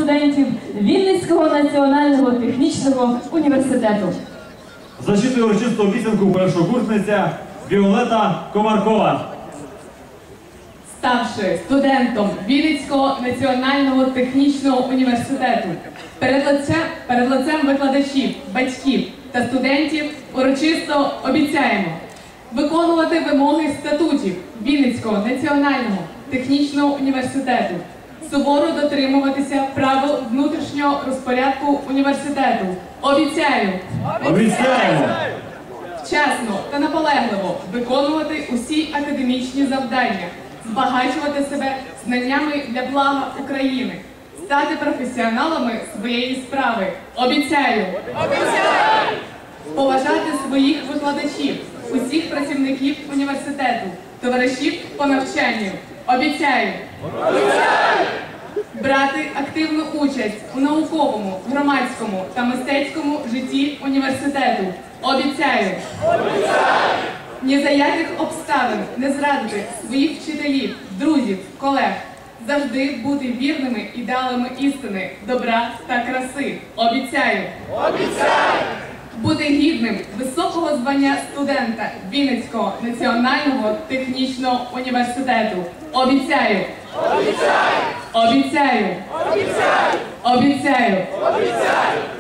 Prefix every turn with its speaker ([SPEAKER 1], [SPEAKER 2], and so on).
[SPEAKER 1] студентів Вінницького національного технічного університету.
[SPEAKER 2] Зачитує урочисту обіцянку першокурсниця Віолета Комаркова.
[SPEAKER 3] Ставши студентом Вінницького національного технічного університету, перед лицем викладачів, батьків та студентів урочисто обіцяємо виконувати вимоги статутів Вінницького національного технічного університету, суворо дотримуватися правил внутрішнього розпорядку університету. Обіцяю!
[SPEAKER 2] Обіцяємо!
[SPEAKER 3] Вчасно та наполегливо виконувати усі академічні завдання, збагачувати себе знаннями для блага України, стати професіоналами своєї справи. Обіцяю! Обіцяю! Поважати своїх викладачів, усіх працівників університету, товаришів по навчанню. Обіцяю! Обіцяю! Брати активну участь у науковому, громадському та мистецькому житті університету. Обіцяю! Обіцяю! Ні за яких обставин не зрадити своїх вчителів, друзів, колег. Завжди бути вірними ідеалами істини, добра та краси. Обіцяю! Обіцяю! Бути гідним високого звання студента Вінницького національного технічного університету. Обіцяю! Обіцяю! Обіцяю! Обіцяю! Обіцяю! Обіцяю!